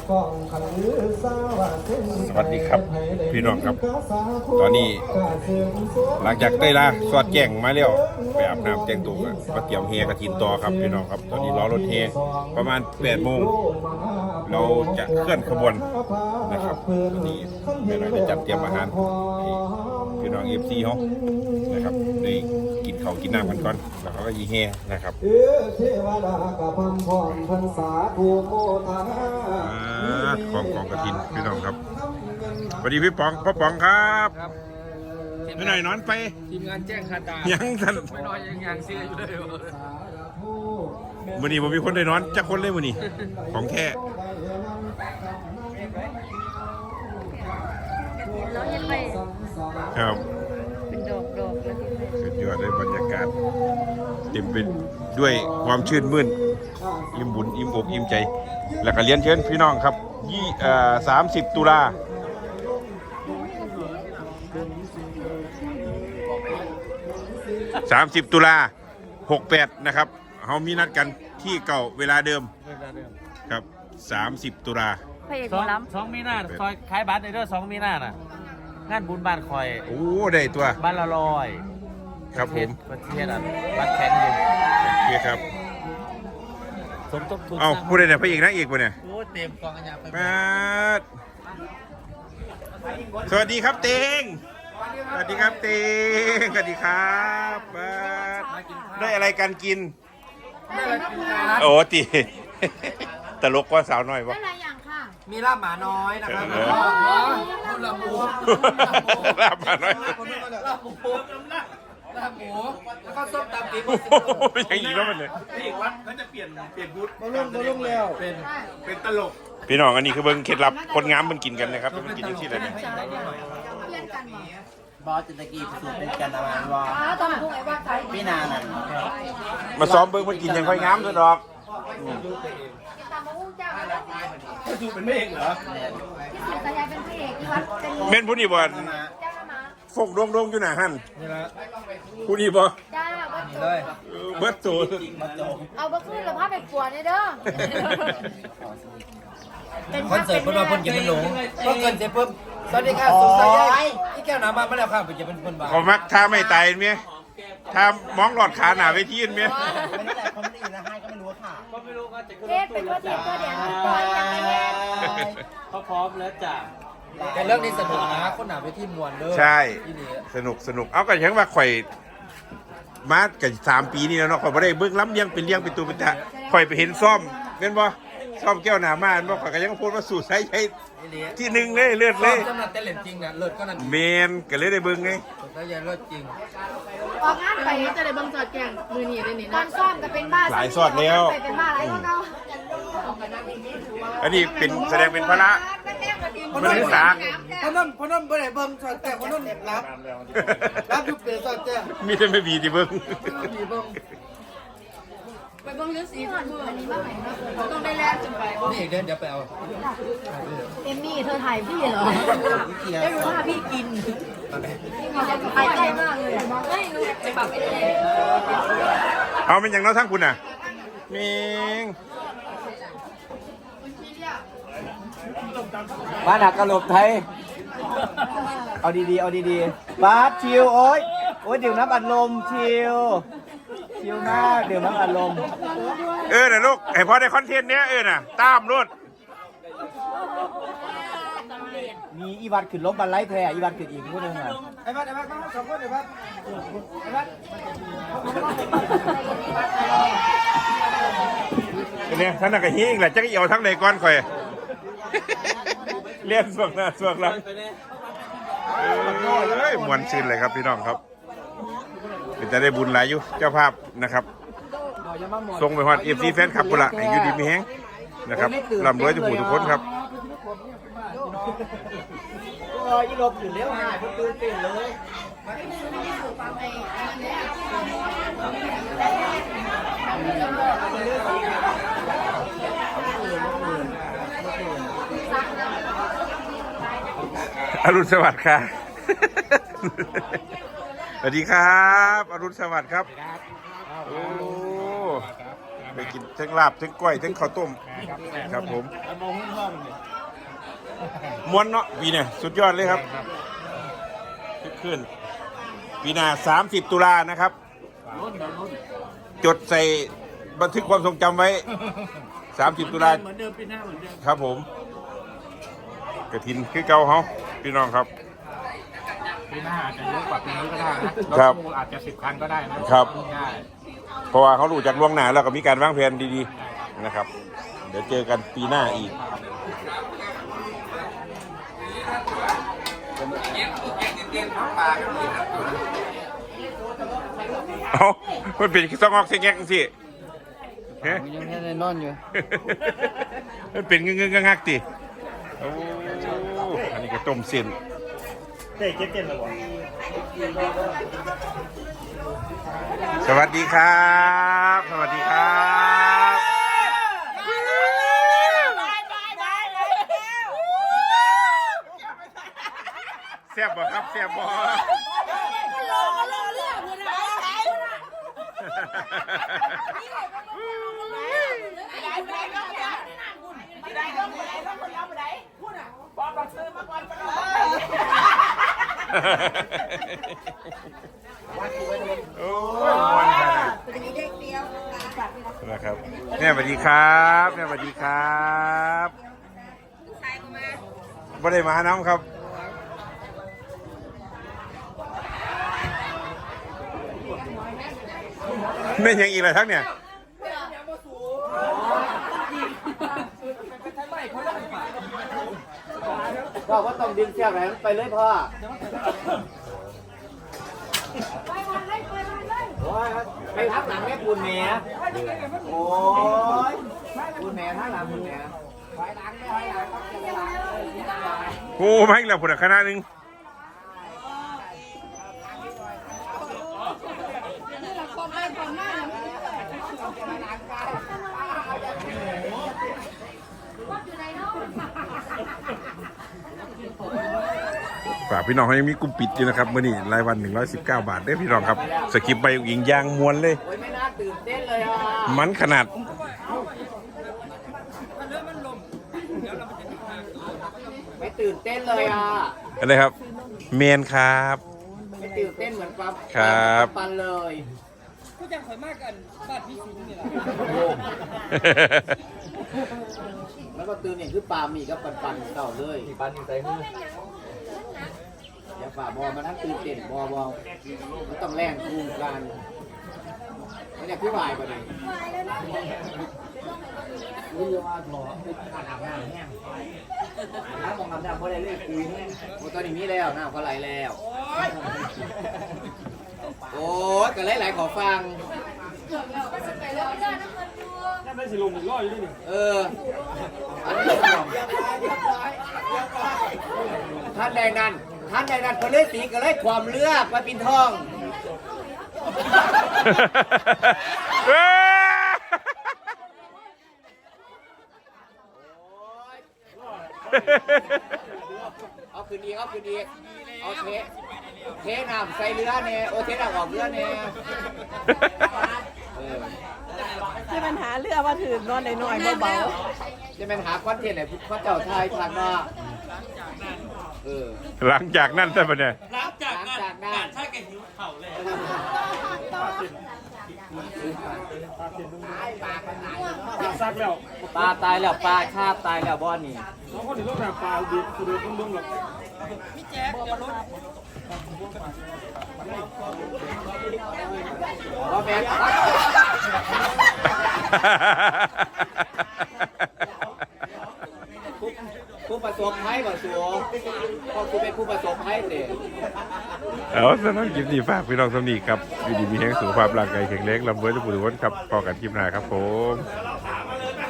สวัสดีครับพี่น้องครับตอนนี้หลังจากได้ละสอดแจ้งมาแล้วไปอาบน้ำแจ้งตัวมาเตรียมเฮกระถินต่อครับพี่น้องครับตอนนี้รอรถเฮประมาณ8 โมงเราจะเคลื่อนขบวนนะครับตอนนี้แม่น้อยได้จัดเตรียมอาหารให้พี่น้องFCเขานะครับได้กินข้าวกินน้ำกันก่อนแล้วเขาก็ยีเฮนะครับของกฐินพี่น้องครับสวัสดีพี่ป๋องพ่อป๋องครับไม่หน่อยนอนไปทีมงานแจ้งคาตายังทันไม่น้อยยังเสียอยู่เลยมื้อนี้ผมมีคนได้นอนจักคนเลยมื้อนี้ของแท้เราเห็นไปครับเป็นดอกเลยสุดยอดเลยบรรยากาศเต็มไปด้วยความชื่นมื่นอิ่มบุญอิ่มอกอิ่มใจแล้วก็เรียนเชิญพี่น้องครับ30 ตุลา30 ตุลา68นะครับเขามีนัดกันที่เก่าเวลาเดิมครับ30 ตุลาพระเอกหมอลำ2 มีนาคอยขายบัตรในเรื่อง2 มีนาน่ะงานบุญบ้านคอยโอ้ได้ตัวบ้านละ100 ครับผมประเทศบัตรแข็งอยู่โอเคครับสมทบทุนเอาพูดได้เนี่ยพระเอกนางเอกป่ะเนี่ยโอ้เต็มกองอัญญาไปสวัสดีครับเต็งสวัสดีครับเต็งสวัสดีครับได้อะไรกันกินโอ้ตีตลกกว่าสาวน้อยวะได้หลายอย่างค่ะมีลาบหมาน้อยนะครับลาบหมูลาบหมาน้อยลาบหมูแล้วก็ส้มตำตีไม่ใช่อีกแล้วมันเลยพี่วัดเขาจะเปลี่ยนบูธมาลงแล้วเป็นตลกพี่น้องอันนี้คือเบิ้งเคล็ดลับคนงามมันกินกันนะครับมันกินอย่างที่ไรเนี่ยบอสตะกี้สูตรเป็นกันอะไรวะตอนพูดไอ้ว่าใครพี่นาน่ะมาซ้อมเบิ้งมันกินยังค่อยงามด้วยดอกก็ดูเป็นไม่เองเหรอที่สุดสายเป็นพระเอกที่วัดเม่นผู้นี้บอลฟกดงอยู่หน้าหันผู้นี้บอจ้าเลยเบิร์ตโตเอาบักขึ้นแล้วพาไปปวดเลยเด้อคอนเสิร์ตเพื่อนกินมันหลงก็เกินเจ็บเพิ่มสวัสดีค่ะสุขสันต์ยัยที่แก้วน้ำมาไม่แล้วค่ะเป็นจะเป็นคนบ้าเขามักถ้าไม่ตายเมียถ้ามองหลอดขาหนาไปที่เมียไม่ได้แต่เขาไม่ได้ยินนะให้ก็ไม่รู้ค่ะก็ไม่รู้ก็จะเทศเป็นตัวเทียบตัวเดียวปล่อยยังไงเขาพร้อมแล้วจ้ะแต่เรื่องนี้สนุกนะคนหนาไปที่มวลเด้อใช่สนุกเอากันยังว่าข่อยมากัน3 ปีนี่แล้วเนาะข่อยไม่ได้เบิ้งล้ำเลี้ยงเป็นตัวเป็นตาข่อยไปเห็นซ่อมเห็นบ่ซ่อมแก้วหนามาเห็นบ่ข่อยก็ยังพูดว่าสูตรใช้ที่1เลยเลือดเลยสำหรับเต้นเล่นจริงนะเลือดก็นั่นเมนก็เลยได้เบิ้งไงได้ยังเลือดจริงออกงานไปจะได้บังจอดแกงมือหนีได้นี่ตอนซ่อมก็เป็นบ้าหลายซอดแล้วเป็นบ้าอะไรก็เนาะอันนี้เป็นแสดงเป็นพระมันศึกษาพนมบ่ได้เบิ่งจอดแต่พนมรับอยู่เปลี่ยนจอดแต่มีแต่ไม่บีที่เบิ้งไปเบิ่งเรื่องสีก่อนอันนี้บ้างไหนต้องได้แลกจนไปนี่เดี๋ยวไปเอาเอมมี่เธอถ่ายพี่เหรอได้รู้ว่าพี่กินถ่ายใกล้มากเลยไม่รู้ไปปรับไปเลยเอาเป็นอย่างน้อยทั้งคุณน่ะมิงบ้านหักกระโหลกไทยเอาดีๆบาสชิวโอ๊ยดื่มน้ำอัดลมชิวมากดื่มน้ำอัดลมน่ะลูกไอพอได้คอนเทนต์เนี้ยน่ะตามรถมีอีวัดขึ้นล้มบันไลแท้อีวัดขึ้นอีกพูดหนึ่งอ่ะไอ้บัดสองคนไอ้บัดเนี่ยท่านน่ะก็หิ้งแหละจักเอี่ยวทั้งในก้อนข่อยเลี้ยนส่วงหน้าส่วงหลังมวนชื่นเลยครับพี่น้องครับเป็นจะได้บุญหลายอยู่เจ้าภาพนะครับส่งไปฮอดFCแฟนคลับกุละให้อยู่ดีมีแฮงนะครับร่ำรวยทุกคนครับอีลบอยู่แล้วหายตื่นเต้นเลยอรุณสวัสดิ์ค่ะสวัสดีครับอรุณสวัสดิ์ครับโอ้ไปกินทั้งลาบทั้งก้อยทั้งข้าวต้มครับผมม้วนเนาะปีเนี่ยสุดยอดเลยครับขึ้นปีหน้า30 ตุลานะครับจดใส่บันทึกความทรงจำไว้30 ตุลาเหมือนเดิมปีหน้าเหมือนเดิมครับผมกระถินคือเก่าเขาพี่น้องครับปีหน้าอาจจะเยอะกว่าปีนี้ก็ได้นะครับ รถตู้อาจจะ10 คันก็ได้นะครับได้เพราะว่าเขารู้จากล่วงหน้าแล้วก็มีการวางแผนดีๆนะครับ เดี๋ยวเจอกันปีหน้าอีกเอามันเป็นซองออกเสียงแงกสิเฮ้ยยังไม่ได้นอนอยู่มันเป็นเงื้องักๆติโอ้อันนี้ก็ต้มเส้นเต้เก็ตเต้นแล้วบ่สวัสดีครับ สวัสดีครับแซ่บบ่ครับแซ่บบ่โอ้ยมันขนาดนะครับแม่สวัสดีครับแม่สวัสดีครับบ่ได้มาน้ำครับไม่ยังอีกเลยทั้งเนี่ยพ่อว่าต้องดึงเชือกไหนไปเลยพ่อไปทักหลังแม่ปูนแม่โอ้ยปูนแม่ทักหลังปูนแม่โอ้มาอีกแล้วผุดคณะหนึ่งฝากพี่น้องเขายังมีกลุ่มปิดอยู่นะครับมื่อนี้รายวัน119 บาทได้พี่น้องครับสกิปไปยิงยางมวนเลยโอ้ยไม่น่าตื่นเต้นเลยอ่ะมันขนาดไม่ตื่นเต้นเลยอ่ะอะไรครับเมนครับไม่ตื่นเต้นเหมือนปั๊บครับปันเลยผู้จังข่อยมากกันบ้านพี่สิงห์นี่แหละแล้วก็ตื่นเนี่ยคือปลาหมีกับปันเก่าเลยปันใส่มืออย่าฝ่าบอมาทั้งตื่นเต้นบอมันต้องแรงคู่กันไม่ได้พี่วายปะเนี่ยรู้ว่าหมอการอาบน้ำแห้งน้ำมองอาบน้ำเพราะอะไรเลือดคุยแห้งโอ้ตอนนี้มีแล้วน้ำก็ไหลแล้วโอ้ยก็หลายๆขอฟังนั่นไม่สิลงอีกร้อยอยู่ดิอันนี้ท่านใดนั้นเขาเลยสีก็เลยความเลือกมาปินทองเอาคืนดีเอาเทน้ำใส่เรือเนี่ยโอเทน้ำออกเรือเนี่ยที่มันหาเรือมาถือนอนหน่อยๆเบาจะเป็นหาคอนเทนต์ไหนพระเจ้าไทยทางนอกหลังจากนั้นใช่ปะเนี่ยหลังจากนั้นใช่แกหิวเข่าเลยซักแล้วปลาตายแล้วปลาคาบตายแล้วบอนนี่น้องคนนี้ต้องหาปลาดิบคือต้องดึงหรอกพี่แจ๊คเดี๋ยวรถว่าแม่ผู้ประสบภัยบ่สัวพอคุณเป็นผู้ประสบภัยเด็กเอาสำหรับคลิปนี้ฝากพี่น้องสำนีครับอยู่ดีมีแห่งสุขภาพร่างกายแข็งแรงลำเว้ยทุกผู้ทุกคนครับพอกันคลิปหน้าครับผม